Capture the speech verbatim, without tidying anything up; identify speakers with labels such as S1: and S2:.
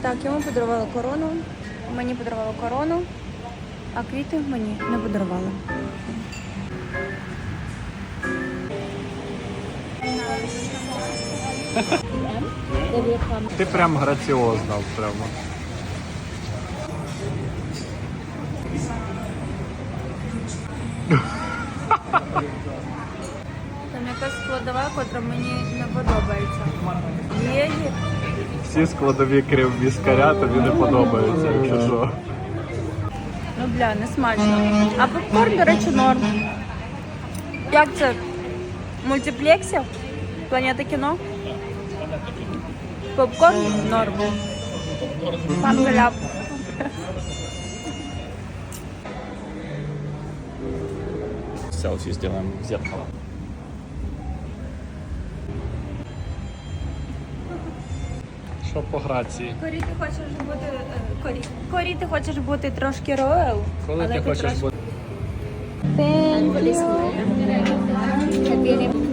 S1: Так, йому подарували корону, мені подарували корону, а квіти мені не подарували.
S2: Ти прям граціозна прямо.
S1: Там якась складова, котра мені не подобається. Є їх.
S2: Всі складові крім віскаря тобі не подобаються, якщо що.
S1: Ну, бля, не смачно. А попкорн, до речі, норм. Як це? В мультиплексі? Планета кіно? Попкорн норм. Пангеляп.
S2: Селфі зробимо в зеркало. Що по грації?
S1: Корі, ти хочеш бути... е, Корі, Корі, ти хочеш бути трошки роял?
S2: Коли ти хочеш бути?
S1: Thank you.
S3: Tiene